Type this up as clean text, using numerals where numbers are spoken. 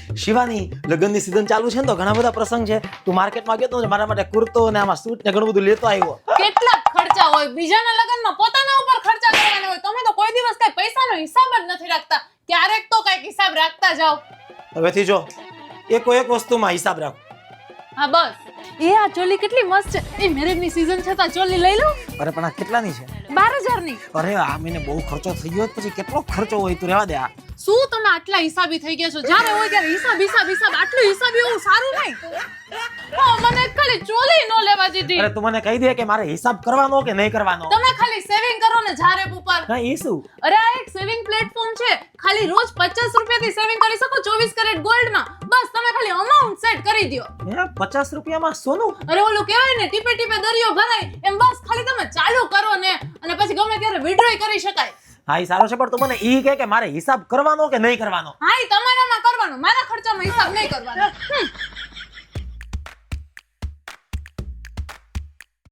શિવાની લગ્નની સીઝન ચાલુ છે ને તો ઘણા બધા પ્રસંગ છે. તું માર્કેટમાં ગયો તો મારા માટે કુર્તો ને આમાં સૂટ ને ઘણું બધું લેતો આવ્યો. કેટલા ખર્ચા હોય બીજાના લગ્નમાં પોતાના ઉપર ખર્ચા કરવાના હોય. તમે તો કોઈ દિવસ કઈ પૈસાનો હિસાબ જ નથી રાખતા. ક્યારેક તો કઈક હિસાબ રાખતા જાઓ. હવેથી જો એકો એક વસ્તુમાં હિસાબ રાખો. હા બસ. એ આ ચોલી કેટલી મસ્ત છે. એ મેરેજની સીઝન છે તો ચોલી લઈ લઉં. અરે પણ આ કેટલાની છે? 12,000 ની. અરે આ મહિને બહુ ખર્ચો થઈ ગયો પછી કેટલો ખર્ચો હોય તું રહેવા દે. આ શું તમે આટલા હિસાબી થઈ ગયા છો? જ્યારે હોય ત્યારે હિસાબ આટલું હિસાબી હોવું સારું નહીં. હા મને ખાલી ચોલી નો લેવા દીધી. અરે તું મને કહી દે કે મારે હિસાબ કરવાનો કે નહીં કરવાનો. તમે ખાલી સેવિંગ કરો ને જારે ઉપર. હા એ શું? અરે આ એક સેવિંગ પ્લેટફોર્મ છે. ખાલી રોજ 50 રૂપિયાથી સેવિંગ કરી શકો 24 કેરેટ ગોલ્ડમાં. બસ તમે ખાલી અમાઉન્ટ સેટ કરી દો. હે 50 રૂપિયામાં સોનું? અરે ઓલું કહેવાય ને ટીપે ટીપે દરિયો ભરાય એમ. બસ ખાલી તમે ચાલુ કરો ને અને પછી ગમે ત્યારે વિડ્રોય કરી શકાય. હા એ સારો છે પણ તું મને ઈ કહે કે મારે હિસાબ કરવાનો કે નહીં કરવાનો. હા ઈ તમારામાં કરવાનો. મારા ખર્ચાનો હિસાબ નહીં કરવાનો.